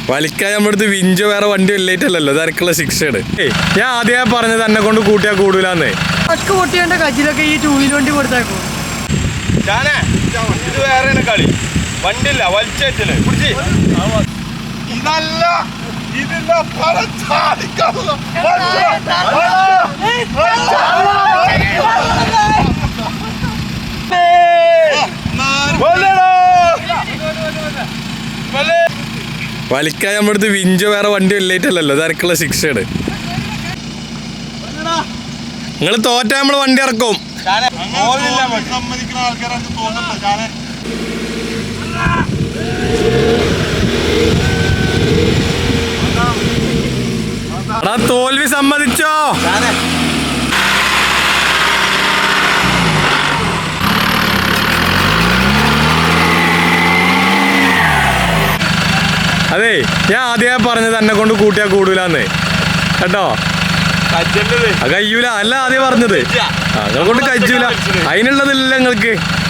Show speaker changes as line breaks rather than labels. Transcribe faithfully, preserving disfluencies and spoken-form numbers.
വലിക്കാൻ നമ്മളടുത്ത് വിഞ്ചോ വേറെ വണ്ടി വല്ലായിട്ടല്ലോ ഇതാർക്കുള്ള ശിക്ഷയാണ്. ഞാൻ ആദ്യമേ പറഞ്ഞത് എന്നെ കൊണ്ട് കൂട്ടിയാ കൂടൂലെന്ന്.
പൊട്ടിയുടെ കജിലൊക്കെ ഈ ടൂ വീലർ വണ്ടി കൊടുത്തേക്കും.
ഇത് വേറെ കളി വണ്ടില്ല വലിച്ചേറ്റല് പിടിച്ച്
ഇതല്ല ഇതിന്റെ
വലിക്കാൻ നമ്മളടുത്ത് വിഞ്ചോ വേറെ വണ്ടി വല്ലായിട്ടല്ലോ ഇതാർക്കുള്ള ശിക്ഷയാണ്. നിങ്ങൾ തോറ്റാ നമ്മള് വണ്ടി ഇറക്കും.
സമ്മതിക്കുന്ന ആൾക്കാരാണ് തോന്നുന്നുണ്ട്. ഞാന്
തോൽവി സമ്മതിച്ചോ? അതെ ഞാൻ ആദ്യമേ പറഞ്ഞത് എന്നെ കൊണ്ട് കൂട്ടിയാ കൂടൂലെന്ന് കേട്ടോ. കയ്യൂല അല്ല ആദ്യം പറഞ്ഞത്. നിങ്ങളെ കൊണ്ട് കജ്ജൂല അതിനുള്ളതില്ല നിങ്ങൾക്ക്.